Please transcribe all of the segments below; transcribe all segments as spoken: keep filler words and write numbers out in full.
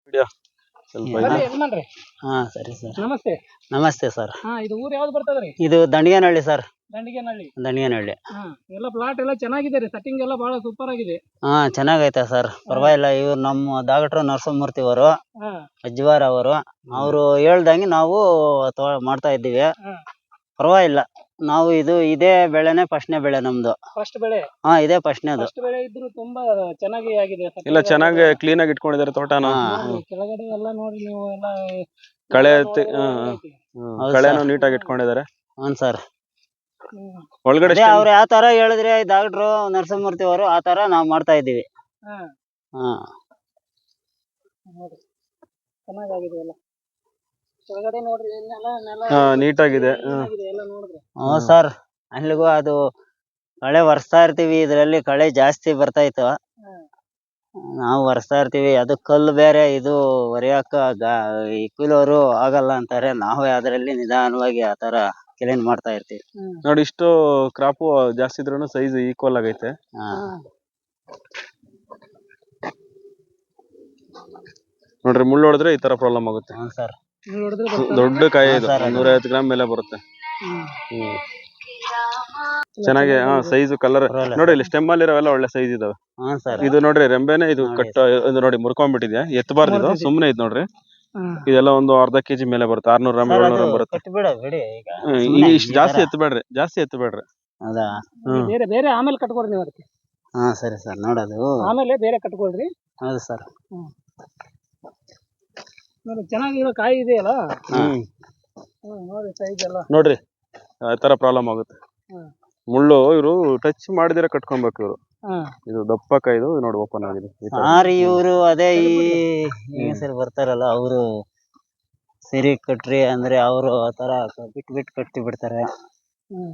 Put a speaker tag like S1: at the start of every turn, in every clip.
S1: ಹಿಡಿಯೋ ಸ್ವಲ್ಪ
S2: ಬರ್ರಿ ಯಜಮಾನ್ರಿ.
S3: ಹಾ ಸರಿ ಸರ್.
S2: ನಮಸ್ತೆ.
S3: ನಮಸ್ತೆ ಸರ್.
S2: ಹಾ ಇದು ಊರ್ ಯಾವ್ದು ಬರ್ತದ್ರಿ?
S3: ಇದು ದಂಡಿಗೇನಹಳ್ಳಿ ಸರ್.
S2: ದಂಡಿಗೇನಹಳ್ಳಿ.
S3: ದಂಡಿಗೇನಹಳ್ಳಿ.
S2: ಹಾ ಎಲ್ಲ ಪ್ಲಾಟ್ ಎಲ್ಲ ಚೆನ್ನಾಗಿದೆ ರೀ, ಸೆಟ್ಟಿಂಗ್ ಎಲ್ಲ ಬಹಳ ಸೂಪರ್ ಆಗಿದೆ.
S3: ಹಾ ಚೆನ್ನಾಗೈತೆ ಸರ್, ಪರವಾಗಿಲ್ಲ. ಇವ್ರು ನಮ್ಮ ಡಾಕ್ಟರ್ ನರಸಿಂಹಮೂರ್ತಿ ಅವರು,
S2: ಹಾ
S3: ಅಜ್ವಾರ್ ಅವರು, ಅವರು ಹೇಳ್ದಂಗೆ ನಾವು ತೊ- ಮಾಡ್ತಾ ಇದ್ದೀವಿ.
S2: ಹಾ
S3: ಪರವಾಗಿಲ್ಲ. ನಾವು ಇದು ಇದೇ ಬೆಳೆನೆ ಫಸ್ಟ್ನೇ ಬೆಳೆ ನಮ್ದು.
S2: ಫಸ್ಟ್ ಬೆಳೆ.
S3: ಹಾ ಇದೇ ಫಸ್ಟ್ನೇದು.
S2: ಫಸ್ಟ್ ಬೆಳೆ ಇದ್ರು ತುಂಬಾ ಚೆನ್ನಾಗಿ ಆಗಿದೆ. setting
S1: ಇಲ್ಲ ಚೆನ್ನಾಗಿ
S2: ಆಗಿದೆ.
S1: ಕ್ಲೀನ್ ಆಗಿ ಇಟ್ಕೊಂಡಿದ್ದಾರೆ ತೋಟನ.
S3: ಹಾ.
S2: ನೋಡ್ರಿ, ಕೆಳಗಡೆ ಎಲ್ಲ ನೋಡ್ರಿ ನೀವು ಎಲ್ಲ
S1: ಕಳೆ
S2: ಎಲ್ಲ
S1: ತಿ-
S2: ನೋಡಿದ್ರೆ
S1: ಹಾ, ಹಾ.
S2: ಐತಿ.
S1: ಹ್ಮ್.
S3: ಹೌದು
S1: ಕಳೆನೂ
S3: ಸರ್.
S1: ನೀಟಾಗಿ ಇಟ್ಕೊಂಡಿದ್ದಾರೆ.
S3: ಹ್ಞೂ ಸರ್.
S2: ಹ್ಮ್.
S1: ಒಳಗಡೆ
S3: ಅದೇ ಅವ್ರು ಯಾವ ತರ ಹೇಳಿದ್ರೆ ಡಾಕ್ಟ್ರು ನರಸಿಂಹಮೂರ್ತಿ ಅವರು ಆ ತರ ನಾವು ಮಾಡ್ತಾ ಇದ್ದೀವಿ.
S2: ಹಾ
S3: ಹಾ
S2: ನೋಡ್ರಿ ಚೆನ್ನಾಗಾಗಿದೆ ಎಲ್ಲ. ಕೆಳಗಡೆ ನೋಡ್ರಿ ನೆಲ ನೆಲ
S1: ಹಾ ನೀಟಾಗಿದೆ. ಹಾ.
S2: ಚೆನ್ನಾಗಿದೆ ಎಲ್ಲ ನೋಡಿದ್ರೆ.
S3: ಹ್ಞೂ ಸರ್. ಅಲ್ಲಿಗೂ ಅದು ಕಳೆ ಒರೆಸ್ತಾ ಇರ್ತೀವಿ, ಇದರಲ್ಲಿ ಕಳೆ ಜಾಸ್ತಿ ಬರ್ತಾ ಇತ್ತು.
S2: ಹಾ
S3: ನಾವು ಒರೆಸ್ತಾ ಇರ್ತೀವಿ. ಅದು ಕಲ್ಲು ಬೇರೆ, ಇದು ಒರೆಯಕ್ಕ ಗಾ ಈ ಕೂಲೋರು ಆಗಲ್ಲ ಅಂತಾರೆ. ನಾವೇ ಅದರಲ್ಲಿ ನಿಧಾನವಾಗಿ ಆ ತರ ಕ್ಲೀನ್ ಮಾಡ್ತಾ ಇರ್ತೀವಿ.
S2: ಹ್ಮ್.
S1: ನೋಡಿ ಇಷ್ಟು ಕ್ರಾಪು ಜಾಸ್ತಿ ಇದ್ರೂ ಸೈಜ್ ಈಕ್ವಲ್ ಆಗೈತೆ.
S3: ಹಾ
S2: ಹಾ.
S1: ನೋಡ್ರಿ ಮುಳ್ಳು ಹೊಡೆದ್ರೆ ಈ ತರ ಪ್ರಾಬ್ಲಮ್ ಆಗುತ್ತೆ.
S3: ಹ್ಞೂ ಸರ್.
S2: ನೀವು ನೋಡಿದ್ರೆ
S1: ಸು-
S2: ಗೊತ್ತಾಗುತ್ತೆ.
S1: ದೊಡ್ಡ ಕಾಯಿ
S3: ಹಾ
S1: ಇದು,
S3: ಸರ್, ಅದು.
S1: ನೂರ ಐವತ್ತು ಗ್ರಾಮ್ ಮೇಲೆ ಬರುತ್ತೆ.
S2: ಹ್ಮ್.
S1: ಹ್ಮ್ ಚೆನ್ನಾಗಿ ಹಾ ಸೈಜ್ ಕಲರ್
S3: ಪರವಾಗಿಲ್ಲ
S1: ನೋಡಿ. ಇಲ್ಲಿ ಸ್ಟೆಮ್ ಅಲ್ಲಿ ಇರೋವೆಲ್ಲ ಒಳ್ಳೆ ಸೈಜ್ ಇದಾವೆ.
S3: ಹ್ಞೂ ಸರ್.
S1: ಇದು ನೋಡ್ರಿ ರೆಂಬೆನೆ ಇದು
S3: ನೋಡಿ
S1: ಕಟ್ ಇದು ನೋಡಿ ಮುರ್ಕೊಂಡ್ಬಿಟ್ಟಿದ್ಯಾ. ಎತ್ತಬಾರ್ದು ಇದು,
S2: ಮುರ್ದಿದೆ.
S1: ಸುಮ್ನೆ ಇದು ನೋಡ್ರಿ.
S2: ಹಾ.
S1: ಇದೆಲ್ಲ ಒಂದು ಅರ್ಧ ಕೆಜಿ ಮೇಲೆ ಬರುತ್ತೆ. ಆರ್ನೂರು ಗ್ರಾಮ್
S3: ಸರ್
S1: ಏಳ್ನೂರು
S3: ಅದು
S1: ಗ್ರಾಮ್ ಬರುತ್ತೆ.
S3: ಕಟ್ಬಿಡ ಬಿಡಿ ಈಗ.
S1: ಹ್ಮ್, ಈಗ
S3: ಸುಮ್ನೆ
S1: ಇಷ್ಟು
S3: ಈ
S1: ಜಾಸ್ತಿ
S3: ತರ.
S1: ಎತ್ತಬೇಡ್ರಿ, ಜಾಸ್ತಿ ಎತ್ತಬೇಡ್ರಿ.
S3: ಹೌದಾ?
S1: ಹ್ಮ್
S2: ಬೇರೆ ಬೇರೆ ಆಮೇಲೆ ಕಟ್ಕೊಡ್ರಿ ನೀವು ಅದಕ್ಕೆ.
S3: ಹಾ ಸರಿ ಸರ್. ನೋಡೋದು.
S2: ಆಮೇಲೆ ಬೇರೆ ಕಟ್ಕೊಳ್ರಿ.
S3: ಹೌದು ಸರ್.
S2: ಹ್ಮ್. ನೋಡಿ ಚೆನ್ನಾಗಿರೋ ಕಾಯಿ ಇದೆಯಲ್ಲ.
S1: ಹ್ಮ್
S2: ಹ್ಮ್ ನೋಡಿ ಸೈಜ್ ಎಲ್ಲ.
S1: ನೋಡ್ರಿ ಆ ತರ ಪ್ರಾಬ್ಲಮ್ ಆಗುತ್ತೆ.
S2: ಹ್ಮ್.
S1: ಮುಳ್ಳು ಇವರು ಟಚ್ ಮಾಡಿದಿರ ಕಟ್ಕೊಬೇಕು ಇವರು.
S2: ಹ್ಮ್.
S1: ಇದು ದಪ್ಪ ಕಾಯ್ದು ನೋಡಿ ಓಪನ್ ಆಗಿದೆ ಈ ತರ.
S3: ಸಾರಿ ಇವರು ಅದೇ ಈ ಹೆಂಗಸರು ಬರ್ತಾರಲ್ಲ, ಅವರು ಸರಿ ಕಟ್ರಿ ಅಂದ್ರೆ ಅವರು ಆ ತರ ಬಿಟ್ ಬಿಟ್ ಕಟ್ಟಿ ಬಿಡ್ತಾರೆ.
S2: ಹ್ಮ್.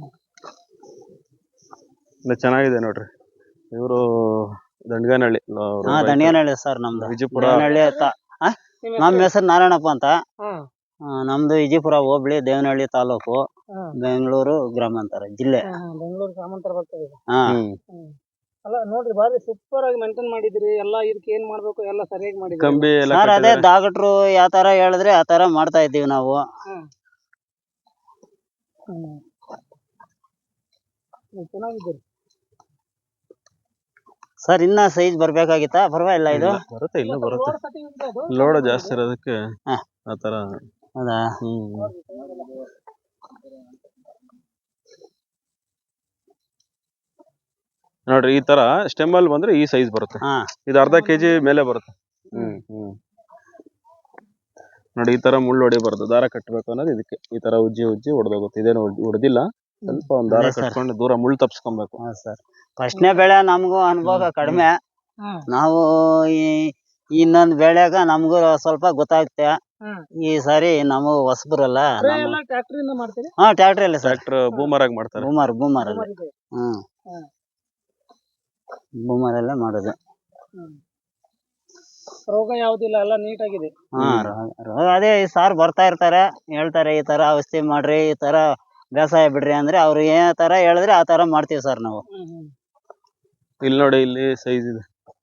S1: ಇಲ್ಲ ಚೆನ್ನಾಗಿದೆ ನೋಡ್ರಿ. ಇವರು ದಂಡಗೇನಹಳ್ಳಿ ಅವ್ರು
S3: ಹಾ
S1: ರೈತ.
S3: ದಂಡಿಗೇನಹಳ್ಳಿ ಸರ್ ನಮ್ದು.
S1: ವಿಜಯಪುರ.
S3: ದೇವನಹಳ್ಳಿ ಅಂತ. ಆ?
S2: ನಿಮ್ಮ
S3: ನಮ್ಮ ಹೆಸರು ನಾರಾಯಣಪ್ಪ ಅಂತ.
S2: ಹ್ಮ್.
S3: ಆ, ನಮ್ದು ವಿಜಯಪುರ ಹೋಬಳಿ, ದೇವನಹಳ್ಳಿ ತಾಲೂಕು,
S2: ಹ್ಮ್.
S3: ಬೆಂಗಳೂರು ಗ್ರಾಮಾಂತರ ಜಿಲ್ಲೆ.
S2: ಹ್ಮ್, ಹ್ಮ್. ಬೆಂಗಳೂರು ಗ್ರಾಮಾಂತರ ಬರ್ತದೆ ಇದು.
S3: ಹಾ
S1: ಹ್ಮ್
S2: ಹ್ಮ್. ಅಲ್ಲ ನೋಡ್ರಿ ಬಾರಿ ಸೂಪರ್ ಆಗಿ ಮೇಂಟೈನ್ ಮಾಡಿದಿರಿ ಎಲ್ಲ. ಇದಕ್ಕೆ ಏನ್ ಮಾಡ್ಬೇಕು ಎಲ್ಲ ಸರಿಯಾಗಿ ಮಾಡಿದಿರಿ.
S1: ಕಂಬಿ ಎಲ್ಲ
S3: ಸರ್ ಅದೇ
S1: ಕಟ್ಟಿದ್ದಾರೆ.
S3: ಡಾಕ್ಟ್ರು ಯಾವ ತರ ಹೇಳಿದ್ರೆ ಆ ತರ ಮಾಡ್ತಾ ಇದ್ದೀವಿ ನಾವು.
S2: ಹ್ಮ್. ಹ್ಮ್. ಹ್ಮ್, ಚೆನ್ನಾಗಿದ್ದೀರಿ.
S3: ಸರ್ ಇನ್ನ ಸೈಜ್ ಬರ್ಬೇಕಾಗಿತ್ತಾ? ಪರವಾಗಿಲ್ಲ ಇದು.
S1: ಇಲ್ಲ, ಬರುತ್ತೆ ಇನ್ನು ಬರುತ್ತೆ.
S2: ಲೋಡ್ ಕಟಿಂಗ್ ಇದೆ ಅದು.
S1: ಲೋಡ್ ಜಾಸ್ತಿ ಇರೋದಕ್ಕೆ
S3: ಹಾ.
S1: ಆತರ.
S3: ಹೌದಾ?
S1: ಹ್ಮ್ ನೋಡ್ರಿ ಈ ತರ ಸ್ಟೆಮ್ ಅಲ್ಲಿ ಬಂದ್ರೆ ಈ ಸೈಜ್ ಬರುತ್ತೆ.
S3: ಹಾ
S1: ಇದು ಅರ್ಧ ಕೆಜಿ ಮೇಲೆ ಬರುತ್ತೆ. ಹ್ಮ್ ಹ್ಮ್ ನೋಡಿ ಈ ತರ ಮುಳ್ಳು ಹೊಡಿಬಾರ್ದು, ದಾರ ಕಟ್ಟಬೇಕು ಅನ್ನೋದು ಇದಕ್ಕೆ. ಈ ತರ ಉಜ್ಜಿ ಉಜ್ಜಿ ಹೊಡೆದೋಗುತ್ತೆ. ಇದೇನು ಹೊಡೆದಿಲ್ಲ, ಸ್ವಲ್ಪ ಒಂದ್ ದಾರ
S3: ಅದೇ ಸರ್.
S1: ಕಟ್ಕೊಂಡು ದೂರ ಮುಳ್ಳು ತಪ್ಸ್ಕೊಬೇಕು.
S3: ಹಾ ಸರ್. ಫಸ್ಟ್ನೇ ಬೆಳೆ ನಮಗೂ ಅನುಭವ ಕಡಿಮೆ.
S2: ಹ್ಮ್.
S3: ನಾವು ಈ ಇನ್ನೊಂದ್ ಬೆಳೆಗ ನಮಗೂ ಸ್ವಲ್ಪ ಗೊತ್ತಾಗುತ್ತೆ.
S2: ಹ್ಮ್.
S3: ಈ ಸಾರಿ ನಾವು ಹೊಸಬ್ರಲ್ಲ.
S2: ಸ್ಪ್ರೇ
S3: ನಮ್ಮ
S2: ಎಲ್ಲ ಟ್ರ್ಯಾಕ್ಟರ್ ಮಾಡ್ತೀರಿ?
S3: ಹಾ ಟ್ರ್ಯಾಕ್ಟರ್ ಅಲ್ಲೇ ಸರ್.
S1: ಟ್ರ್ಯಾಕ್ಟರ್ ಬೂಮರ್ ಆಗಿ ಮಾಡ್ತಾರೆ.
S3: ಬೂಮರ್ ಬೂಮರ್ ಅಲ್ಲೇ.
S2: ಬೂಮರ್ ಇದೆ.
S3: ಹ್ಮ್
S2: ಹ್ಮ್.
S3: ಬೂಮರ್ ಅಲ್ಲೇ ಮಾಡೋದು.
S2: ಹ್ಮ್. ರೋಗ ಯಾವ್ದಿಲ್ಲ, ಎಲ್ಲ ನೀಟಾಗಿದೆ.
S3: ಹಾ ರೋಗ ರೋಗ ಅದೇ ಈ ಸಾರ್ ಬರ್ತಾ ಇರ್ತಾರೆ, ಹೇಳ್ತಾರೆ ಈ ತರ ಔಷಧಿ ಮಾಡ್ರಿ, ಈ ತರ ಬೇಸಾಯ ಬಿಡ್ರಿ ಅಂದ್ರೆ ಅವ್ರು ಏ ತರ ಹೇಳಿದ್ರೆ ಆ ತರ ಮಾಡ್ತೀವಿ ಸರ್ ನಾವು.
S2: ಹ್ಮ್. ಹ್ಮ್.
S1: ಇಲ್ಲಿ ನೋಡಿ, ಇಲ್ಲಿ ಸೈಜ್ ಇದೆ.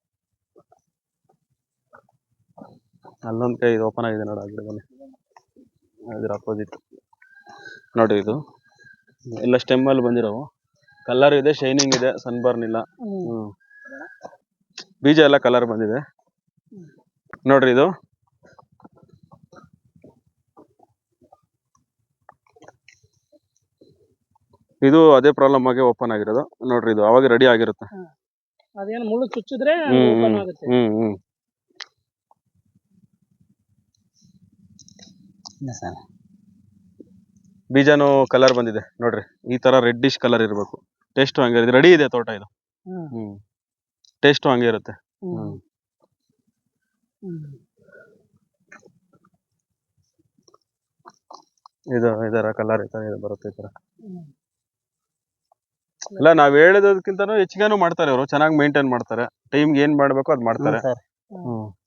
S1: ಅಲ್ಲೊಂದ್ ಕೈ ಓಪನ್ ಆಗಿದೆ ನೋಡಿ, ಆ ಗಿಡದಲ್ಲಿ ಅದ್ರ ಅಪೋಸಿಟ್ ನೋಡಿ. ಇದು ಎಲ್ಲ ಸ್ಟೆಮ್ ಅಲ್ಲಿ ಬಂದಿರೋವು. ಕಲರ್ ಇದೆ, ಶೈನಿಂಗ್ ಇದೆ, ಸನ್ಬರ್ನ್ ಇಲ್ಲ.
S2: ಹ್ಮ್.
S1: ಹ್ಮ್ ಬೀಜ ಎಲ್ಲ ಕಲರ್ ಬಂದಿದೆ ನೋಡ್ರಿ. ಇದು ಇದು ಅದೇ ಪ್ರಾಬ್ಲಮ್ ಆಗಿ ಓಪನ್ ಆಗಿರೋದು ನೋಡ್ರಿ. ಇದು ಅವಾಗ ರೆಡಿ ಆಗಿರುತ್ತೆ.
S2: ಅದೇನು ಮುಳ್ಳು ಚುಚ್ಚಿದ್ರೆ
S1: ಹ್ಮ್
S2: ಓಪನ್ ಆಗುತ್ತೆ.
S1: ಹ್ಮ್ ಹ್ಮ್
S3: ಸರ್
S1: ಬೀಜನು ಕಲರ್ ಬಂದಿದೆ ನೋಡ್ರಿ. ಈ ತರ ರೆಡ್ಡಿಶ್ ಕಲರ್ ಇರಬೇಕು. ಟೇಸ್ಟ್ ಹಂಗೆ ರೆಡಿ ಇದೆ ತೋಟ ಇದು.
S2: ಹ್ಮ್.
S1: ಹ್ಮ್ ಟೇಸ್ಟ್ ಹಂಗೆ ಇರುತ್ತೆ.
S2: ಹ್ಮ್.
S1: ಹ್ಮ್
S2: ಹ್ಮ್.
S1: ಇದು ಇದರ ಕಲರ್ ಈ ತರ ಇದು ಬರುತ್ತೆ ಈ ತರ.
S2: ಹ್ಮ್.
S1: ಇಲ್ಲ, ನಾವ್ ಹೇಳಿದಕ್ಕಿಂತನೂ ಹೆಚ್ಚಿಗೆನೂ ಮಾಡ್ತಾರೆ ಅವರು. ಚೆನ್ನಾಗಿ ಮೇಂಟೈನ್ ಮಾಡ್ತಾರೆ. ಟೈಮ್ಗೆ ಏನ್ ಮಾಡ್ಬೇಕು ಅದ್ ಮಾಡ್ತಾರೆ.
S3: ಸರ್.
S1: ಹ್ಮ್